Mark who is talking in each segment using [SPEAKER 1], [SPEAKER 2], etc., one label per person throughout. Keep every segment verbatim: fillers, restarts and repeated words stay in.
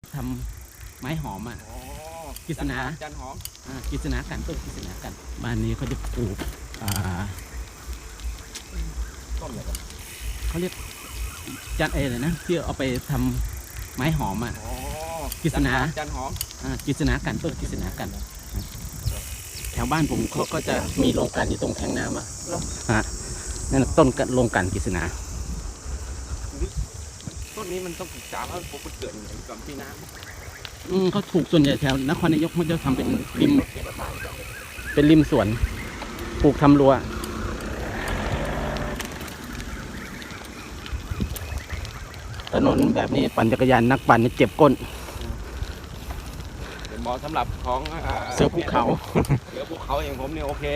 [SPEAKER 1] ทำไม้หอมอ่ะกิษณา
[SPEAKER 2] จันหอม
[SPEAKER 1] อ่ากิษณากันต้นกิษณากันบ้านนี้เขาจะปลูกอ่า
[SPEAKER 2] ต้นอะไรกัน
[SPEAKER 1] เขาเรียกจันเอเลยนะที่เอาไปทำไม้หอมอ่ะกิษณา
[SPEAKER 2] จันหอม
[SPEAKER 1] อ่ากิษณากันต้นกิษณากันแถวบ้านผมเขาก็จะมีโรงกลั่นอยู่ตรงแทงน้ำอ่ะฮะนั่นต้นโรงกลั่นกิษณา
[SPEAKER 2] ต้นนี้มันต้องศึกษาว่าปลูกเกิดอย่างก่อนที่น้ำ
[SPEAKER 1] อืมเขาถูกส่วนใหญ่แถวนครนายกมันจะทำเป็นริมเป็นริมสวนปลูกทำรั้วถนนแบบนี้ปั่นจักรยานนักปั่นเจ็บก้น
[SPEAKER 2] เป็นเหมาะสำหรับของ
[SPEAKER 1] เสือภูเขา
[SPEAKER 2] เสือภูเขาอย่างผมเนี่ยโอเค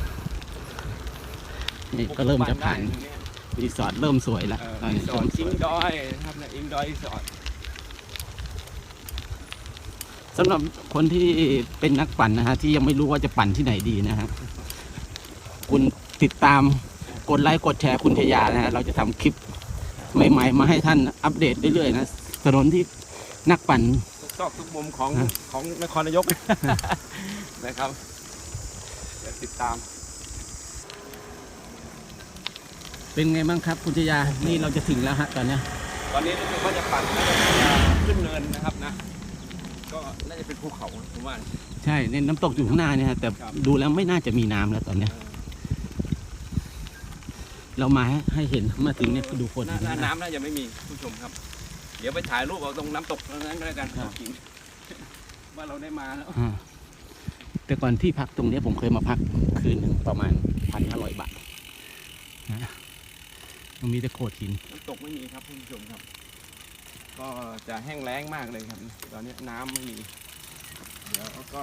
[SPEAKER 1] นี่ก็เริ่มจะผ่านรีสอร์ทเริ่มสวยแล้ว
[SPEAKER 2] รีสอร์ทอิงดอยครับนะอิงดอยรีสอร์ท
[SPEAKER 1] สำหรับคนที่เป็นนักปั่นนะฮะที่ยังไม่รู้ว่าจะปั่นที่ไหนดีนะฮะคุณติดตามกดไลค์กดแชร์คุณชยานะฮะเราจะทำคลิปใหม่ๆมาให้ท่านอัปเดตเรื่อยๆนะถนนที่นักปั่น
[SPEAKER 2] ทุกซอกทุกมุมของของนครนายกนะครับติดตาม
[SPEAKER 1] เป็นไงบ้างครับคุณชยานี่เราจะถึงแล้วฮะตอนนี้
[SPEAKER 2] ตอนนี้รู้สึกว่าจะปั่นขึ้นเนินนะครับนะก็น่าจะเป็นภูเขาผมว่า
[SPEAKER 1] ใช่เนี่ยน้ำตกอยู่ข้างหน้าเนี่ยแต่ดูแล้วไม่น่าจะมีน้ำแล้วตอนนี้เรามาให้เห็นมาถึงเนี่ยดูคน
[SPEAKER 2] น้ำน่าจะไม่มีผู้ชมครับเดี๋ยวไปถ่ายรูปเอาตรงน้ำตกนั้นก็แล้วกันว่าเราได้มาแล้ว
[SPEAKER 1] แต่ก่อนที่พักตรงนี้ผมเคยมาพักคืนหนึ่งประมาณพันห้าร้อยบาทนะมันมีแต่โขดหิน
[SPEAKER 2] น้ำตกไม่มีครับผู้ชมครับก็จะแห้งแล้งมากเลยครับตอนนี้น้ำไม่มีเดี๋ยวก็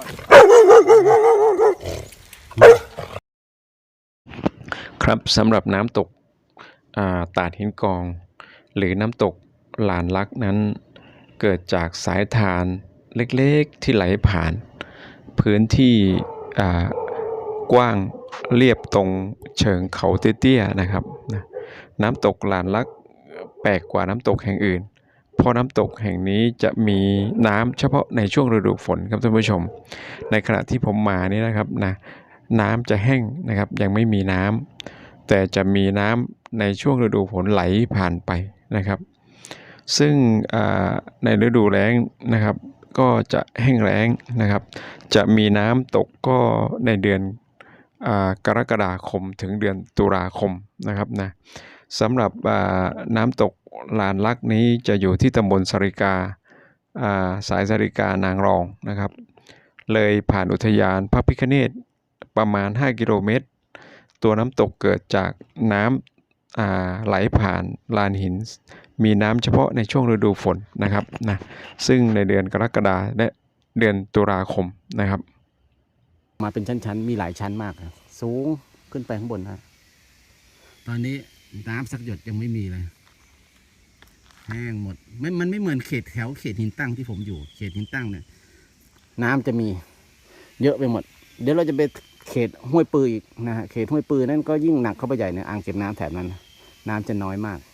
[SPEAKER 2] ครับสำหรับน้ำตกตาดหินกองหรือน้ำตกลานลักนั้นเกิดจากสายทานเล็กๆที่ไหลผ่านพื้นที่กว้างเรียบตรงเชิงเขาเตี้ยๆนะครับน้ำตกลานลักแปลกกว่าน้ำตกแห่งอื่นเพราะน้ำตกแห่งนี้จะมีน้ำเฉพาะในช่วงฤดูฝนครับท่านผู้ชมในขณะที่ผมมานี่นะครับนะน้ำจะแห้งนะครับยังไม่มีน้ำแต่จะมีน้ำในช่วงฤดูฝนไหลผ่านไปนะครับซึ่งในฤดูแล้งนะครับก็จะแห้งแล้งนะครับจะมีน้ำตกก็ในเดือนกรกฎาคมถึงเดือนตุลาคมนะครับนะสำหรับน้ำตกลานลักนี้จะอยู่ที่ตำบลสาริกาสายสาริกานางรองนะครับเลยผ่านอุทยานพระพิฆเนศประมาณห้ากิโลเมตรตัวน้ำตกเกิดจากน้ำไหลผ่านลานหินมีน้ำเฉพาะในช่วงฤดูฝนนะครับนะซึ่งในเดือนกรกฎาคมและเดือนตุลาคมนะครับ
[SPEAKER 1] มาเป็นชั้นๆมีหลายชั้นมากสูงขึ้นไปข้างบนนะตอนนี้น้ำสักหยดยังไม่มีเลยแห้งหมดไม่มันไม่เหมือนเขตแถวเขตหินตั้งที่ผมอยู่เขตหินตั้งเนี่ยน้ำจะมีเยอะไปหมดเดี๋ยวเราจะไปเขตห้วยปืออีกนะฮะเขตห้วยปือนั่นก็ยิ่งหนักเข้าไปใหญ่เนี่ยอ่างเก็บน้ำแถบนั้นน้ำจะน้อยมาก